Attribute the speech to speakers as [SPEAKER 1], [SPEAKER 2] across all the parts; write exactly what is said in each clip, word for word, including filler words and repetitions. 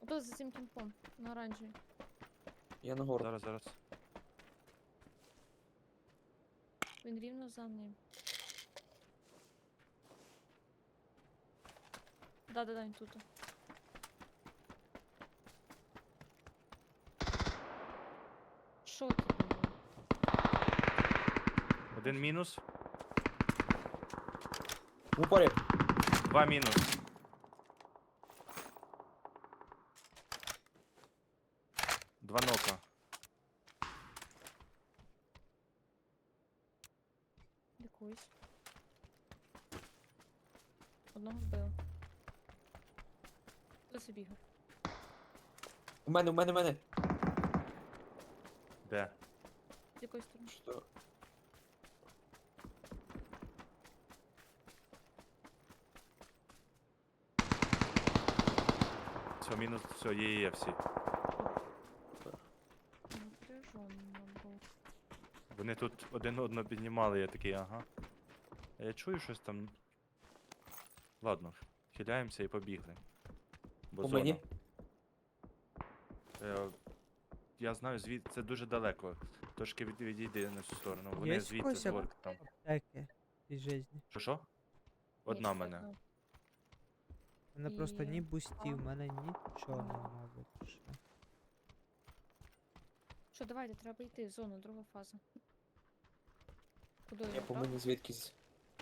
[SPEAKER 1] Отут за цим кімпом, на оранжевій.
[SPEAKER 2] Я на гору.
[SPEAKER 3] Зараз, зараз.
[SPEAKER 1] Він рівно за ним. Да-да-да, він тут. Що тут було?
[SPEAKER 3] Один мінус,
[SPEAKER 2] В упорі.
[SPEAKER 3] два мінус. Два нока.
[SPEAKER 1] Лікуюсь. Одного вбив. Хто забігав?
[SPEAKER 2] У мене, у мене, у мене.
[SPEAKER 3] Де?
[SPEAKER 1] З якої сторони?
[SPEAKER 2] Що?
[SPEAKER 3] Все, мінус, все, є, є, є всі.
[SPEAKER 1] Напряженно був.
[SPEAKER 3] Вони тут один одного піднімали, я такий, ага. А я чую щось там. Ладно, хиляємося і побігли. Бо
[SPEAKER 2] У
[SPEAKER 3] зона.
[SPEAKER 2] мені?
[SPEAKER 3] Е, я знаю, звідти це дуже далеко. Трошки від, відійди на цю сторону. Вони
[SPEAKER 4] Є
[SPEAKER 3] звідти
[SPEAKER 4] когось
[SPEAKER 3] з горки там.
[SPEAKER 4] Аптеки і жизни.
[SPEAKER 3] Що що? Одна
[SPEAKER 1] Ні,
[SPEAKER 3] мене.
[SPEAKER 1] одна.
[SPEAKER 4] У мене просто
[SPEAKER 1] І-
[SPEAKER 4] ні бустів,
[SPEAKER 1] а.
[SPEAKER 4] в мене нічого
[SPEAKER 1] Ага.
[SPEAKER 4] нема більше.
[SPEAKER 1] Що, давайте, треба йти в зону, друга фаза. Куди
[SPEAKER 2] Я
[SPEAKER 1] я
[SPEAKER 2] по
[SPEAKER 1] прав?
[SPEAKER 2] мені звідкись.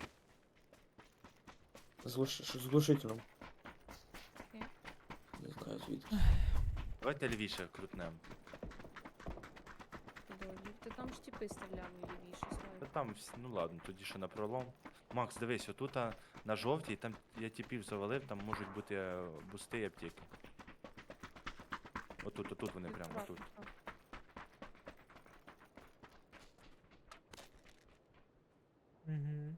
[SPEAKER 2] З глуш- з глушителем.
[SPEAKER 1] Окей.
[SPEAKER 2] Не знаю звідки.
[SPEAKER 3] Давайте лівіше крутнем.
[SPEAKER 1] Куди? Ти там ж тіпи стріляли лівіше
[SPEAKER 3] Та
[SPEAKER 1] слайд.
[SPEAKER 3] там, вс- ну ладно, тоді що на пролом. Макс, дивись, отут а, на жовтій, там я тіпів завалив, там можуть бути е, бусти і аптеки. Отут, отут вони прямо,
[SPEAKER 1] Акуратно,
[SPEAKER 3] отут.
[SPEAKER 1] так.
[SPEAKER 4] Угу.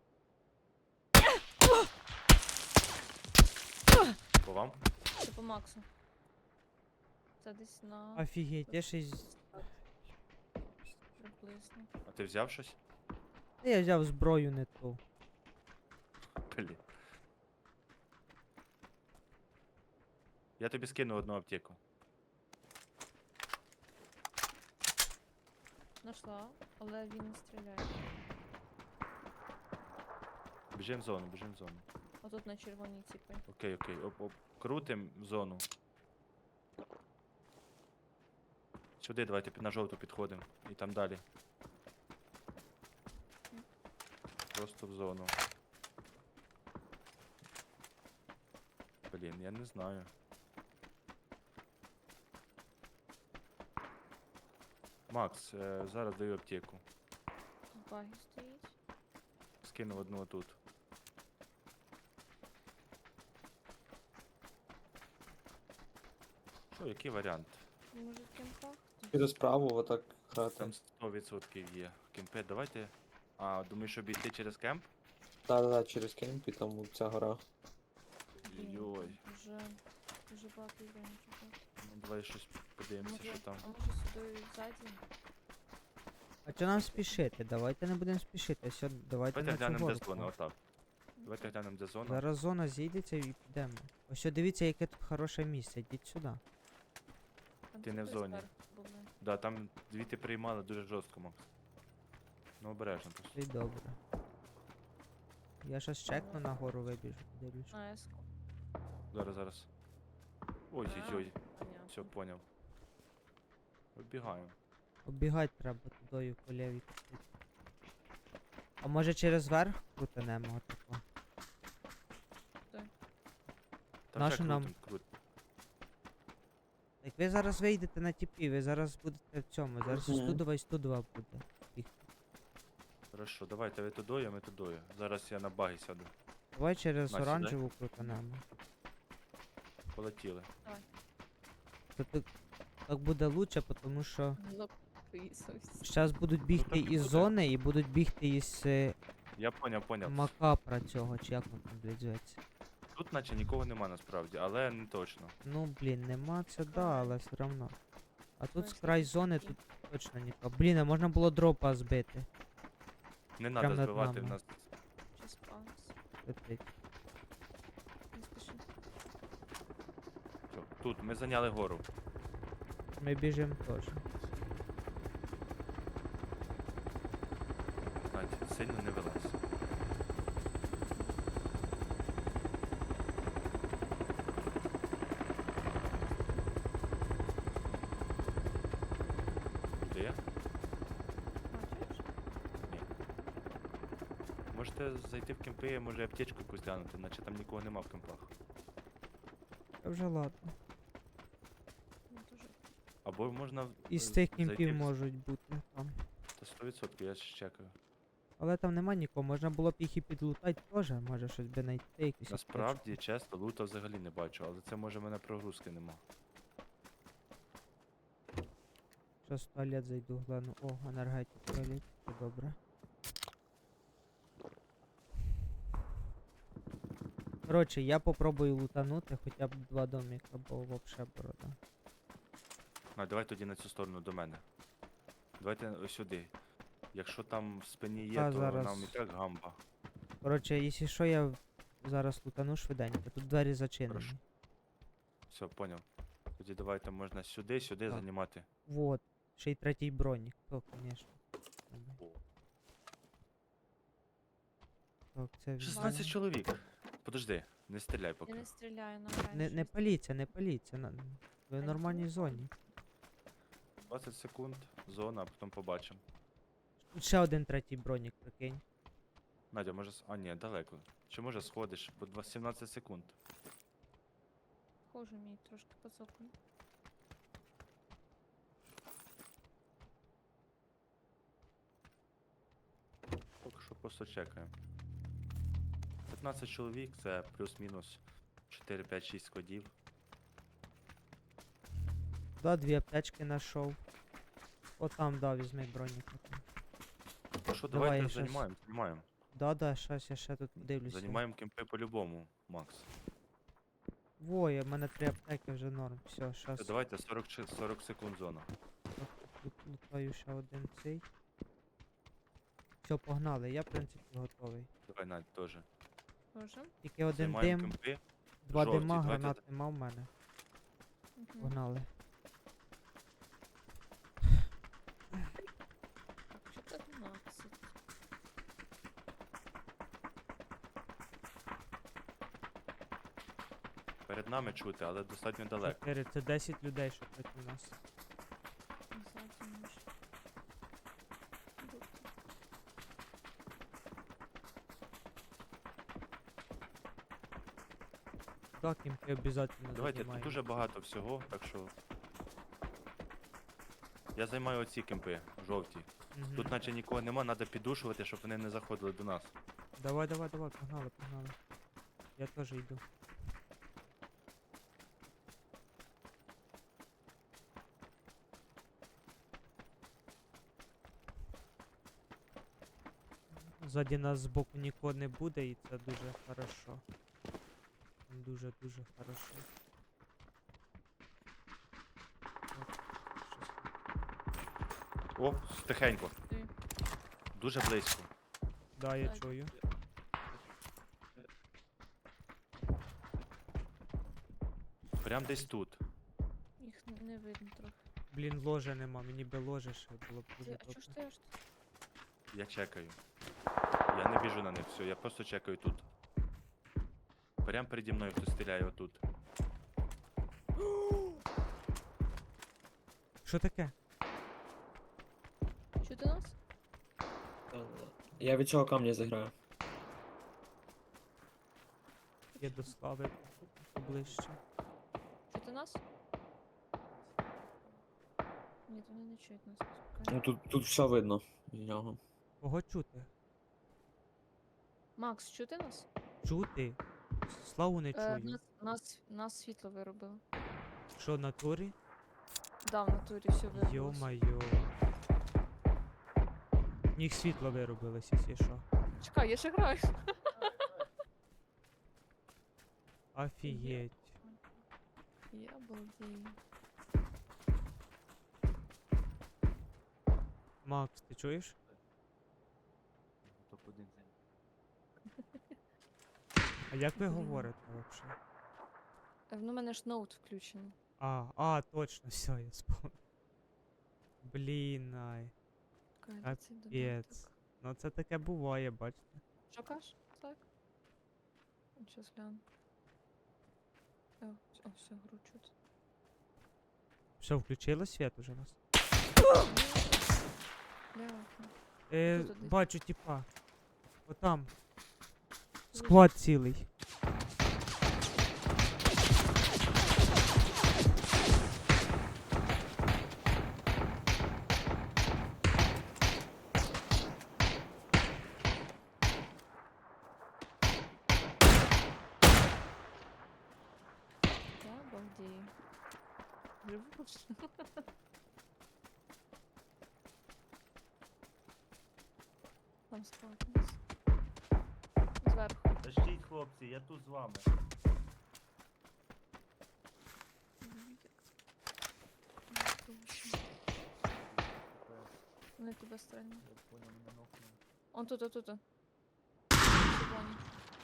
[SPEAKER 3] По вам?
[SPEAKER 1] Це по Максу. Це десь на
[SPEAKER 4] Офігеть, я ще й...
[SPEAKER 1] приблизно.
[SPEAKER 3] А ти взяв щось?
[SPEAKER 4] Та я взяв зброю не ту.
[SPEAKER 3] Блін. Я тобі скину одну аптеку.
[SPEAKER 1] Нашла, але він не стріляє.
[SPEAKER 3] Біжим в зону, біжим в зону.
[SPEAKER 1] Отут на червоній тіпи.
[SPEAKER 3] Окей, окей. Оп, оп. Крутим в зону. Сюди давайте під- на жовту підходимо. І там далі. Просто в зону. Блін, я не знаю. Макс, е, зараз даю аптеку.
[SPEAKER 1] Баги стоїть.
[SPEAKER 3] Скинув одну отут. Що, який варіант?
[SPEAKER 1] Може в кемпах?
[SPEAKER 2] Піду справу, отак грати.
[SPEAKER 3] Там сто відсотків є. Кемпи, давайте. А, думаєш, щоб йти через кемп?
[SPEAKER 2] Да-да-да, через кемп і там ця гора.
[SPEAKER 1] Блін,
[SPEAKER 3] Йой.
[SPEAKER 1] Вже, вже багато івентів.
[SPEAKER 3] Ну, давай щось подивимося,
[SPEAKER 1] Може,
[SPEAKER 3] що там.
[SPEAKER 1] а може сюди ззаді?
[SPEAKER 4] А чого нам спішити? Давайте не будемо спішити. Все, давайте
[SPEAKER 3] Давайте
[SPEAKER 4] на цю
[SPEAKER 3] глянемо, де
[SPEAKER 4] горку.
[SPEAKER 3] зона, отак. Давайте глянемо, де зона.
[SPEAKER 4] Зараз зона зійдеться і підемо. Ось о, дивіться, яке тут хороше місце. Йдіть сюди.
[SPEAKER 1] Там
[SPEAKER 3] Ти не в
[SPEAKER 1] тіпи
[SPEAKER 3] зоні.
[SPEAKER 1] зверху були.
[SPEAKER 3] Да, там звідти приймали дуже жорстко, Макс. Ну, обережно просто.
[SPEAKER 4] Це й добре. Я щас чекну на гору вибіжу, дивлюсь.
[SPEAKER 1] На еску.
[SPEAKER 3] Зараз, зараз. Ой-ой-ой.
[SPEAKER 1] Понятно.
[SPEAKER 3] Все, поняв. Вибігаємо.
[SPEAKER 4] Оббігати треба тудою по лівій. кусити. А може через верх крутанемо отако?
[SPEAKER 3] Та
[SPEAKER 4] Нащо
[SPEAKER 3] вже
[SPEAKER 4] нам?
[SPEAKER 3] крутим, крутим.
[SPEAKER 4] Так ви зараз вийдете на тіпі, ви зараз будете в цьому. Зараз
[SPEAKER 2] Мгм.
[SPEAKER 4] із Тудова, із Тудова буде.
[SPEAKER 3] Хорошо, давайте ви тудою, а ми тудою. Зараз я на баги сяду.
[SPEAKER 4] Давай через
[SPEAKER 3] На, сідай.
[SPEAKER 4] оранжеву крутанемо.
[SPEAKER 3] Полетіли.
[SPEAKER 4] То так, так буде лучше, тому що
[SPEAKER 1] Записуйся.
[SPEAKER 4] зараз будуть бігти
[SPEAKER 3] так і
[SPEAKER 4] із
[SPEAKER 3] буде.
[SPEAKER 4] зони і будуть бігти із е,
[SPEAKER 3] Я поняв, поняв.
[SPEAKER 4] макапра цього, чи як воно там, блядь, зветься.
[SPEAKER 3] Тут наче нікого нема насправді, але не точно.
[SPEAKER 4] Ну, блін, нема це да, але все одно. А тут з
[SPEAKER 1] Ось
[SPEAKER 4] край
[SPEAKER 1] такі
[SPEAKER 4] зони
[SPEAKER 1] такі.
[SPEAKER 4] тут точно нікого. Блін, а можна було дропа збити.
[SPEAKER 3] Не
[SPEAKER 4] Прям
[SPEAKER 3] треба
[SPEAKER 4] над
[SPEAKER 3] збивати в
[SPEAKER 4] нами.
[SPEAKER 3] нас.
[SPEAKER 1] Щас пауза.
[SPEAKER 4] Летить.
[SPEAKER 1] Не спіши.
[SPEAKER 3] Всьо. Тут, ми зайняли гору.
[SPEAKER 4] Ми біжимо теж.
[SPEAKER 3] Надь, сильно не вилазь. Де я?
[SPEAKER 1] А, чуєш?
[SPEAKER 3] Ні. Можете зайти в кемпи, може аптечку якусь глянути, наче там нікого нема в кемпах.
[SPEAKER 4] Та вже ладно.
[SPEAKER 1] Ну, дуже.
[SPEAKER 3] Або можна
[SPEAKER 4] Із
[SPEAKER 3] е,
[SPEAKER 4] тих
[SPEAKER 3] зайти
[SPEAKER 4] кімпів
[SPEAKER 3] в-
[SPEAKER 4] можуть бути там.
[SPEAKER 3] Та сто відсотків, я ще чекаю.
[SPEAKER 4] Але там нема нікого, можна було б їх і підлутати теж, може щось би знайти, якісь
[SPEAKER 3] Насправді, чесно, лута взагалі не бачу, але це може в мене прогрузки нема.
[SPEAKER 4] Щас в туалет зайду, гляну. О, енергетик в туалеті, це добре. Коротше, я попробую лутанути хоча б два доміка, бо вообще борода.
[SPEAKER 3] А, давай тоді на цю сторону до мене. Давайте ось сюди. Якщо там в спині є,
[SPEAKER 4] Та,
[SPEAKER 3] то
[SPEAKER 4] зараз.
[SPEAKER 3] нам і так гамба.
[SPEAKER 4] Коротше, якщо що, я в- зараз лутану швиденько, тут двері зачинені.
[SPEAKER 3] Хорошо. Все, поняв. Тоді давайте можна сюди, сюди
[SPEAKER 4] Так.
[SPEAKER 3] займати.
[SPEAKER 4] Вот. Ще й третій бронік, то, звісно. Так, це
[SPEAKER 3] шістнадцять
[SPEAKER 4] візьмемо.
[SPEAKER 3] чоловік. Подожди, не стріляй
[SPEAKER 1] Я
[SPEAKER 3] поки.
[SPEAKER 1] не стріляю на
[SPEAKER 4] Не, не паліться, не паліться. на- Ви в
[SPEAKER 1] Та
[SPEAKER 4] нормальній
[SPEAKER 1] ні.
[SPEAKER 4] зоні.
[SPEAKER 3] двадцять секунд, зона, а потім побачимо.
[SPEAKER 4] Тут ще один третій бронік, прикинь.
[SPEAKER 3] Надя, може. с- А, ні, далеко. Чи може сходиш? По два- сімнадцять секунд.
[SPEAKER 1] Хожу мій трошки поцокну.
[SPEAKER 3] Поки що просто чекаємо. п'ятнадцять чоловік, це плюс-мінус чотири п'ять шість складів.
[SPEAKER 4] Да, дві аптечки знайшов. О там, да, візьми бронік. отам.
[SPEAKER 3] Ну що,
[SPEAKER 4] Давай,
[SPEAKER 3] давайте
[SPEAKER 4] я щас-
[SPEAKER 3] займаємо, займаємо.
[SPEAKER 4] Да, да, щас я ще тут дивлюся.
[SPEAKER 3] Займаємо кемпи по-любому, Макс.
[SPEAKER 4] Во, я- в мене три аптеки вже норм. Все, щас
[SPEAKER 3] Все, давайте сорок, чи- сорок секунд зона.
[SPEAKER 4] лут- лутаю ще один цей. Все, погнали, я в принципі готовий.
[SPEAKER 3] Давай, Надь, теж.
[SPEAKER 1] Хожу.
[SPEAKER 4] Тільки один
[SPEAKER 3] Займаємо
[SPEAKER 4] дим,
[SPEAKER 3] кемпи.
[SPEAKER 4] два
[SPEAKER 3] жовті,
[SPEAKER 4] дима,
[SPEAKER 3] давайте
[SPEAKER 4] гранат нема в мене.
[SPEAKER 1] Мгм.
[SPEAKER 4] Погнали.
[SPEAKER 1] Так, чотирнадцять.
[SPEAKER 3] Перед нами чути, але достатньо далеко.
[SPEAKER 4] Чотири, це десять людей, що проти нас.
[SPEAKER 1] Ззаді може бути.
[SPEAKER 4] Так, кімпи обов'язательно
[SPEAKER 3] Давайте, тут
[SPEAKER 4] займаємо.
[SPEAKER 3] дуже багато всього, так що. Я займаю оці кемпи, жовті.
[SPEAKER 4] Мгм.
[SPEAKER 3] Тут наче нікого нема, треба піддушувати, щоб вони не заходили до нас.
[SPEAKER 4] Давай, давай, давай, погнали, погнали. Я теж йду. Ззаді нас збоку нікого не буде, і це дуже хорошо. Дуже-дуже хорошо. От, щось-
[SPEAKER 3] О, тихенько.
[SPEAKER 1] Ти.
[SPEAKER 3] Дуже близько.
[SPEAKER 4] Да, я
[SPEAKER 1] Так.
[SPEAKER 4] чую.
[SPEAKER 3] Прям десь тут.
[SPEAKER 1] Їх н- не видно трохи.
[SPEAKER 4] Блін, ложа нема, мені би ложе ще було б
[SPEAKER 1] Ти,
[SPEAKER 4] дуже
[SPEAKER 1] а чого
[SPEAKER 4] добре.
[SPEAKER 1] ж ти аж тут?
[SPEAKER 3] Я чекаю. Я не біжу на них, все, я просто чекаю тут. Прям переді мною хтось стріляє отут.
[SPEAKER 4] Що таке?
[SPEAKER 1] Чути нас?
[SPEAKER 2] Я від цього камня заграю.
[SPEAKER 4] Я до слави поближче.
[SPEAKER 1] Чути нас? Ні, вони не чують нас.
[SPEAKER 2] Ну
[SPEAKER 1] Чекай.
[SPEAKER 2] тут, тут все видно з нього.
[SPEAKER 4] Кого чути?
[SPEAKER 1] Макс, чути нас?
[SPEAKER 4] Чути? Славу не
[SPEAKER 1] Е,
[SPEAKER 4] чую.
[SPEAKER 1] нас, нас, нас світло виробило.
[SPEAKER 4] Що, на турі?
[SPEAKER 1] Да, в натурі все виробилось.
[SPEAKER 4] Йо-майо. В них світло виробилось, якщо що.
[SPEAKER 1] Чекай, я ще граю.
[SPEAKER 4] Офігеть.
[SPEAKER 1] Я обалдею.
[SPEAKER 4] Макс, ти чуєш? А як ви говорите взагалі?
[SPEAKER 1] Е, Ну, у мене ж ноут включений.
[SPEAKER 4] А, а, точно, все, я спомнив. Блін, ай.
[SPEAKER 1] Чекай,
[SPEAKER 4] Капець.
[SPEAKER 1] де цей додаток?
[SPEAKER 4] Ну це таке буває, бачите.
[SPEAKER 1] Що кажеш? Так? Сейчас гляну. О, вс- о, все, гру чути.
[SPEAKER 4] Що, включило світ уже у вас?
[SPEAKER 1] Бляха.
[SPEAKER 4] Е,
[SPEAKER 1] Тут десь.
[SPEAKER 4] бачу, типа. Отам. Склад цілий.
[SPEAKER 1] Я обалдею. Живу. Там склад у нас. Зверху.
[SPEAKER 3] Тащіть, хлопці, я тут з вами.
[SPEAKER 1] Вони тебе стрельнуть.
[SPEAKER 3] Я понял, мене нокнули.
[SPEAKER 1] Он тут, тут, тут. Червоні.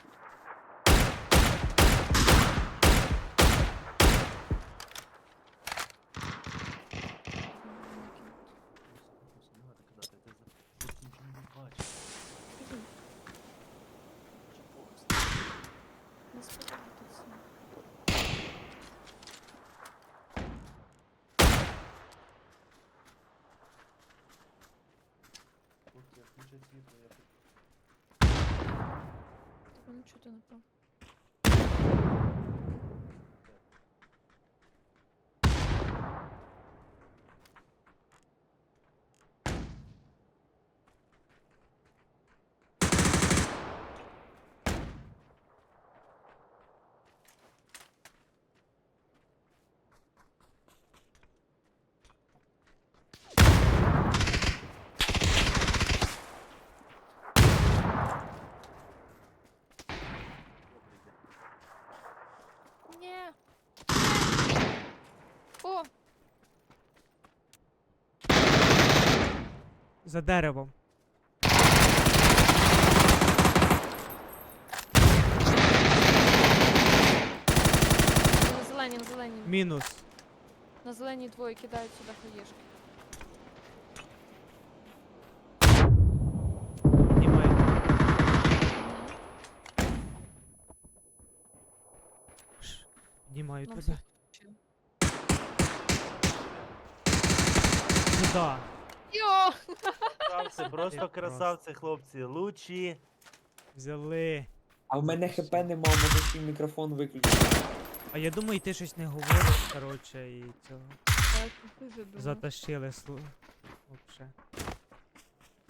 [SPEAKER 3] Ось, не треба казати, ти за... Тут нічого не бачиш.
[SPEAKER 1] Не сподобається.
[SPEAKER 3] Хлопці, включать світло, я тут...
[SPEAKER 1] Тебе не чути, напевно. Ні. О!
[SPEAKER 4] За деревом.
[SPEAKER 1] На зелені, на зелені.
[SPEAKER 4] Мінус.
[SPEAKER 1] На зелені двоє кидають сюди хаєшки.
[SPEAKER 4] Знімай. Ш, Знімаю
[SPEAKER 1] Нам
[SPEAKER 4] тебе.
[SPEAKER 1] все включили.
[SPEAKER 4] Сюда.
[SPEAKER 1] Йо!
[SPEAKER 3] Красавці, просто
[SPEAKER 4] Просто.
[SPEAKER 3] красавці, хлопці. Лучі.
[SPEAKER 4] Взяли.
[SPEAKER 2] А в мене хп нема, може свій мікрофон виключити.
[SPEAKER 4] А я думаю, ти щось не говориш, коротше, і цього.
[SPEAKER 1] Так, ти вже думав.
[SPEAKER 4] Затащили слу. Вообще.